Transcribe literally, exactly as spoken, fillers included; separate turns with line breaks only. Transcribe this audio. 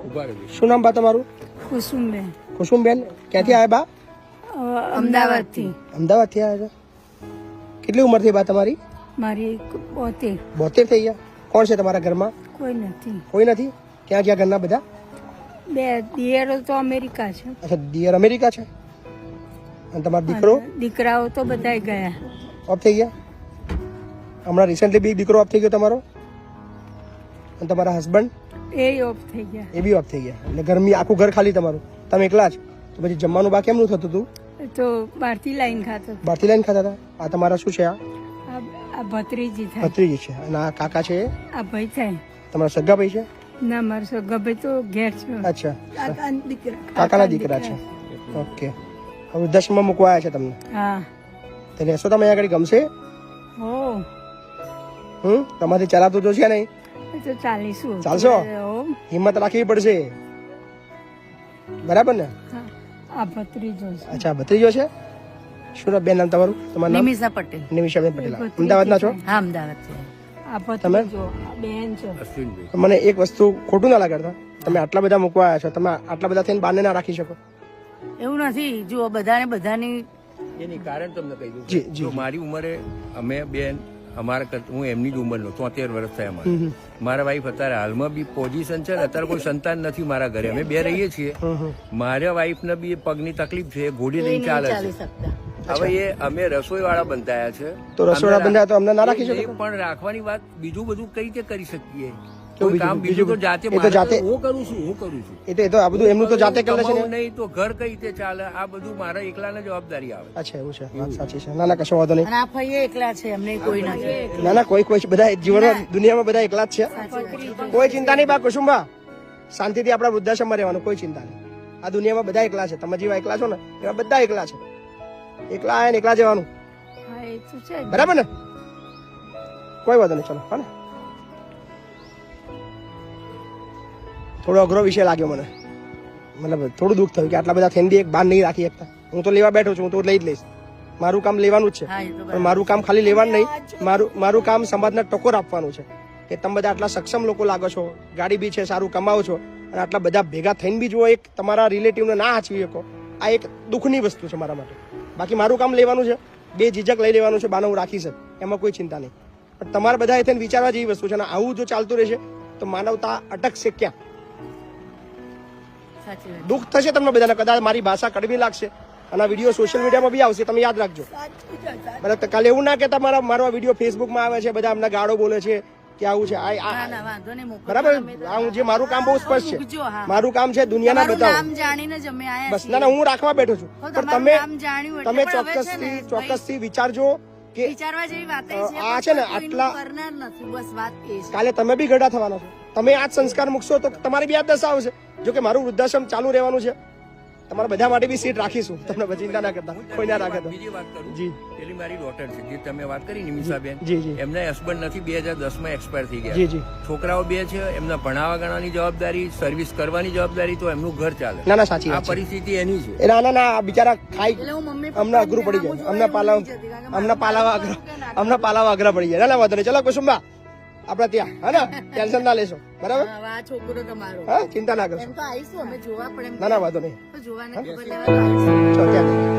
શું નામ બા તમારું?
કુસુમબેન.
કુસુમબેન, ક્યાંથી આવ્યા બા?
અમદાવાદ થી.
અમદાવાદ થી આવ્યા છો? કેટલી ઉંમર થઈ બા તમારી?
મારી બોતેર.
બોતેર થઈ ગયા. કોણ છે તમારા ઘરમાં?
કોઈ નથી.
કોઈ નથી? ક્યાં ગયા ઘરના બધા?
બે દિયરો તો અમેરિકા છે.
અચ્છા, દિયર અમેરિકા છે. અને તમારો દીકરો?
દીકરાઓ તો બધા ગયા.
ઓફ થઈ ગયા? હમણાં રિસેન્ટલી બી દીકરો ઓફ થઈ ગયો તમારો? અને તમારા હસબન્ડ?
એ ઓફ થઈ ગયા.
એ બી ઓફ થઈ ગયા. એટલે ગરમી આખું ઘર ખાલી તમારું? તમે એકલા જ? તો પછી જમવાનું બા કેમનું થતું હતું?
તો બહારથી લાઈન ખાતો.
બહારથી લાઈન ખાતા હતા? આ તમારા શું છે? આ
આ ભત્રીજી થાય.
ભત્રીજી છે. અને આ કાકા છે?
આ ભાઈ થાય.
તમારા સગા ભાઈ છે?
ના, મારો સગા ભાઈ તો ઘેર છે.
અચ્છા,
કાકાના દીકરા.
કાકાના દીકરા છે. ઓકે. હવે દસમાં મૂકવા આવ્યા છે તમને?
હા.
તો રહેશો તમે અહીંયા આગળ? ગમશે?
હો.
હમ તમારે ચલાવતું તો છે નહીં?
તો ચાલીશું.
ચાલશો? હિંમત રાખવી પડશે, બરાબર ને?
આ ભત્રીજો છે.
અચ્છા, ભત્રીજો છે. શું બેન નામ તમારું? તમારું નામ?
નિમિષા પટેલ.
નિમિષાબેન પટેલ. અમદાવાદના છો?
હા, અમદાવાદ છે. આ ભત્રીજો બેન છે.
મને એક વસ્તુ ખોટું ના લાગતા, તમે આટલા બધા મૂકવા આવ્યા છો, તમે આટલા બધા થઈને બાને ના રાખી શકો?
એવું નથી. જો બધાને બધાની
એની કારણ તમને કહી દઉં.
જી, જી.
જો મારી ઉંમરે અમે બેન અમારા કરતા હું એમની જ ઉંમરનો તોતેર વર્ષ થયા મારે. મારા વાઈફ અત્યારે હાલમાં બી પોઝિશન છે ને, અત્યારે કોઈ સંતાન નથી મારા ઘરે, અમે બે રહીએ છીએ. મારા વાઈફ ને બી પગની તકલીફ છે, ઘોડી લઈને ચાલે છે. હવે એ અમે રસોઈ વાળા બંધાયા છે,
તો રસોડા બંધાયા તો અમને ના રાખી
એ
શકો?
પણ રાખવાની વાત, બીજું બધું કઈ રીતે કરી શકીએ?
કેવું
કોઈ કામ
બીજું?
બીજું તો જાતે
એ તો
મારે
જાતે-
તો હું કરું છું હું કરું છું
એ તો એ તો આ બધું એમનું તો જાતે કરે છે
કમાવું
ને?
નહીં તો ઘર કઈ રીતે ચાલે? આ બધું મારા એકલાને જવાબદારી આવે.
અચ્છા, એવું છે. વાત સાચી છે. ના ના, કશો વાંધો નહીં.
અને આ ભાઈ એકલા છે, એમને કોઈ નથી.
ના ના, કોઈ કોઈ બધા જીવનમાં દુનિયામાં બધા એકલા જ છે. કોઈ ચિંતા નહીં બા કુસુમબા, શાંતિથી આપણા વૃદ્ધાશ્રમમાં રહેવાનું, કોઈ ચિંતા નહીં. આ દુનિયામાં બધા એકલા છે. તમે જેવા એકલા છો ને એવા બધા એકલા છે. એકલા આયા ને એકલા જવાનું,
હા, એ તો છે.
બરાબર ને? કોઈ વાંધો નહીં. ચલો, હા ને. થોડો અઘરો વિષય લાગ્યો મને, મતલબ થોડું દુઃખ થયું કે આટલા બધા થઈને બી એક બાર નહીં રાખી શકતા. હું તો લેવા બેઠો છું, હું તો લઈ જ લઈશ. મારું કામ લેવાનું જ છે, પણ મારું કામ ખાલી લેવાનું નહીં, મારું મારું કામ સમાજને ટકોર આપવાનું છે કે તમે બધા આટલા સક્ષમ લોકો લાગો છો, ગાડી બી છે, સારું કમાવો છો, અને આટલા બધા ભેગા થઈને બી જો એક તમારા રિલેટિવને ના હાચવી શકો, આ એક દુઃખની વસ્તુ છે મારા માટે. બાકી મારું કામ લેવાનું છે, બે ઝીઝક લઈ લેવાનું છે, બાને હું રાખી શકું, એમાં કોઈ ચિંતા નહીં. પણ તમારે બધા એ થઈને વિચારવા જેવી વસ્તુ છે, અને આવું જો ચાલતું રહેશે તો માનવતા અટકશે ક્યાં? દુઃખ થશે તમને બધાને. કદાચ મારી ભાષા કડવી લાગશે અને આ વિડીયો સોશિયલ મીડિયામાં બી આવશે, તમે યાદ રાખજો. બરાબર? કાલે એવું ના કે તમારા મારો આ વિડીયો ફેસબુકમાં આવે છે, બધા અમને ગાળો બોલે છે કે આવું છે. બરાબર? આ જે મારું કામ બહુ સ્પષ્ટ છે, મારું કામ છે દુનિયાના બતાવો. બસ. ના ના, હું રાખવા બેઠો છું, પણ તમે તમે ચોક્કસથી ચોક્કસથી વિચારજો કે આ છે ને આટલા કાલે તમે બી ગઢા થવાના છો. તમે આ જ સંસ્કાર મૂકશો તો તમારી બી આ દશા આવશે. જો કે મારું વૃદ્ધાશ્રમ ચાલુ રહેવાનું છે, તમારા બધા માટે બી સીટ રાખીશું, તમને ચિંતા ના કરતા, કોઈ ના રાખે.
બીજી વાત કરું,
જી,
પેલી મારી ડોટર છે જે તમે વાત કરી નિમિષાબેન,
જી જી
એમના હસબન્ડ નથી, બે હજાર દસ માં એક્સપાયર થઈ ગયા.
જી જી.
છોકરાઓ બે છે, એમના ભણાવવા ગણાની જવાબદારી, સર્વિસ કરવાની જવાબદારી, તો એમનું ઘર ચાલે.
ના ના, સાચી
આ
વાત છે.
પરિસ્થિતિ એની છે.
એ ના ના ના, બિચારા ખાઈ અમને અઘરું પડી જાય, અમને પાલાવ અમને પાલાવા અઘરા અમને પાલાવા અઘરા પડી જાય. ના ના, વાંધો નહીં. ચલો કુસુમબા, આપડે ત્યાં, હા ને, ટેન્શન ના લેશો, બરાબર?
છોકરો તમારો,
હા, ચિંતા ના કરશો.
આવીશું અમે જોવા પડે.
ના ના, વાંધો નહીં.
જોવાને ખબર લેવા
ચલો ત્યાં